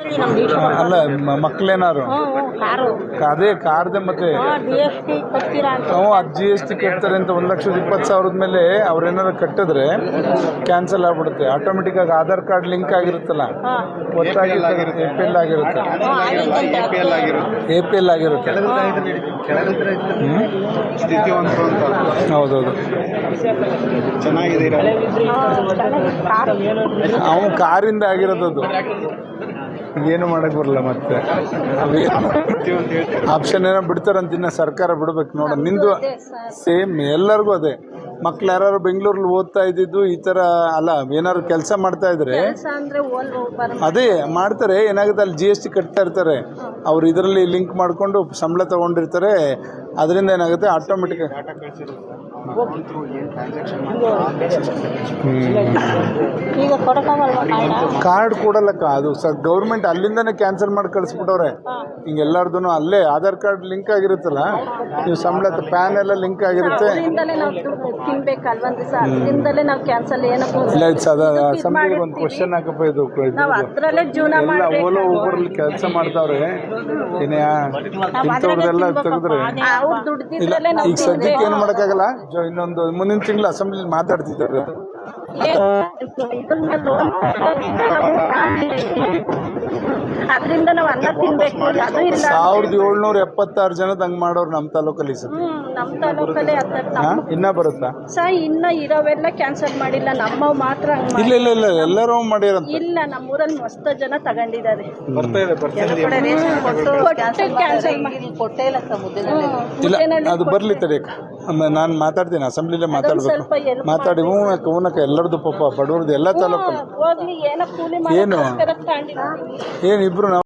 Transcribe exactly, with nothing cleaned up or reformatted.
ಅಲ್ಲ ಮಕ್ಕಳೇನಾರು ಅದೇ ಕಾರ್ದೆ ಮತ್ತೆ ನಾವು ಅದು ಜಿ ಎಸ್ ಟಿ ಕಟ್ತಾರೆ ಅಂತ ಒಂದು ಲಕ್ಷದ ಇಪ್ಪತ್ತು ಸಾವಿರದ ಮೇಲೆ ಅವ್ರೇನಾರು ಕಟ್ಟಿದ್ರೆ ಕ್ಯಾನ್ಸಲ್ ಆಗ್ಬಿಡುತ್ತೆ ಆಟೋಮೆಟಿಕ್ ಆಗಿ ಆಧಾರ್ ಕಾರ್ಡ್ ಲಿಂಕ್ ಆಗಿರುತ್ತಲ್ಲ ಗೊತ್ತಾಗಿ ಎ ಪಿ ಎಲ್ ಆಗಿರುತ್ತೆ ಎ ಪಿ ಎಲ್ ಆಗಿರುತ್ತೆ ಹೌದೌದು ಚೆನ್ನಾಗಿದೆ ಅವನು ಕಾರಿಂದ ಆಗಿರೋದು ಏನು ಮಾಡಕ್ ಬರಲ್ಲ ಮತ್ತೆ ಆಪ್ಷನ್ ಏನೋ ಬಿಡ್ತಾರಂತ ಇನ್ನ ಸರ್ಕಾರ ಬಿಡ್ಬೇಕು ನೋಡ ನಿಂದು ಸೇಮ್ ಎಲ್ಲರಿಗೂ ಅದೇ ಮಕ್ಳು ಯಾರು ಬೆಂಗಳೂರಲ್ಲಿ ಓದ್ತಾ ಇದ್ದಿದ್ದು ಈ ತರ ಅಲ್ಲ ಏನಾದ್ರು ಕೆಲಸ ಮಾಡ್ತಾ ಇದ್ರೆ ಅದೇ ಮಾಡ್ತಾರೆ ಏನಾಗುತ್ತೆ ಅಲ್ಲಿ ಜಿ ಎಸ್ ಟಿ ಕಟ್ತಾ ಇರ್ತಾರೆ ಅವ್ರು ಇದರಲ್ಲಿ ಲಿಂಕ್ ಮಾಡ್ಕೊಂಡು ಸಂಬಳ ತಗೊಂಡಿರ್ತಾರೆ ಅದರಿಂದ ಏನಾಗುತ್ತೆ ಆಟೋಮೆಟಿಕ್ ಕಾರ್ಡ್ ಕೊಡಲ್ಲಕ್ಕ ಅದು ಸ ಗೌರ್ಮೆಂಟ್ ಅಲ್ಲಿಂದಾನೆ ಕ್ಯಾನ್ಸಲ್ ಮಾಡಿ ಕಳಿಸ್ಬಿಟ್ಟವ್ರೆ ಹಿಂಗೆ ಎಲ್ಲಾರ್ದು ಅಲ್ಲೇ ಆಧಾರ್ ಕಾರ್ಡ್ ಲಿಂಕ್ ಆಗಿರುತ್ತಲ್ಲ ನೀವು ಸಂಬಳ ಪ್ಯಾನ್ ಎಲ್ಲ ಲಿಂಕ್ ಆಗಿರುತ್ತೆ ಇಲ್ಲ ಅಸೆಂಬ್ಲಿಗೆ ಒಂದು ಕ್ವಶನ್ ಹಾಕಪ್ಪ ಇದು ಎಲ್ಲ ಓಲೋ ಊಬರಲ್ಲಿ ಕೆಲಸ ಮಾಡ್ತಾವ್ರೆ ಏನೇ ಇಂಥವ್ರದೆಲ್ಲ ತೆಗೆದ್ರೆ ಇಲ್ಲ ಈಗ ಸದ್ಯಕ್ಕೆ ಏನು ಮಾಡೋಕ್ಕಾಗಲ್ಲ ಇನ್ನೊಂದು ಮುಂದಿನ ತಿಂಗಳು ಅಸೆಂಬ್ಲಿ ಮಾತಾಡ್ತಿದ್ದಾರೆ ಅದರಿಂದ ನಾವು ಅನ್ನ ತಿನ್ಬೇಕು ಅದು ಇಲ್ಲ ಸಾವಿರದ ಏಳ್ನೂರ ಎಪ್ಪತ್ತಾರು ಜನದ ಹಂಗ್ ಮಾಡೋರು ನಮ್ಮ ತಾಲೂಕಲ್ಲಿ ನಮ್ಮ ತಾಲೂಕಲ್ಲಿ ಇನ್ನ ಬರುತ್ತಾ ಸರ್ ಇನ್ನ ಇರೋವೆಲ್ಲ ಕ್ಯಾನ್ಸಲ್ ಮಾಡಿಲ್ಲ ನಮ್ಮ ಮಾತ್ರ ಇಲ್ಲ ಇಲ್ಲ ಇಲ್ಲ ಎಲ್ಲರೂ ಮಾಡಿರಂತ ಇಲ್ಲ ನಮ್ಮೂರಲ್ಲಿ ಮಸ್ತ್ ಜನ ತಗೊಂಡಿದ್ದಾರೆ ಇಲ್ಲ ಅದು ಬರ್ಲಿ ತಡಿಯಕ್ಕ ನಾನು ಮಾತಾಡ್ತೀನಿ ಅಸೆಂಬ್ಲಿಲೇ ಮಾತಾಡ್ಬೇಕು ಮಾತಾಡಿ ಹೂನಕ್ಕ ಹೂನಕ್ಕ ಎಲ್ಲರದು ಪಾಪ ಬಡವ್ರದ್ದು ಎಲ್ಲ ತಾಲೂಕಲ್ಲಿ ಏನು ಏನಿಬ್ರು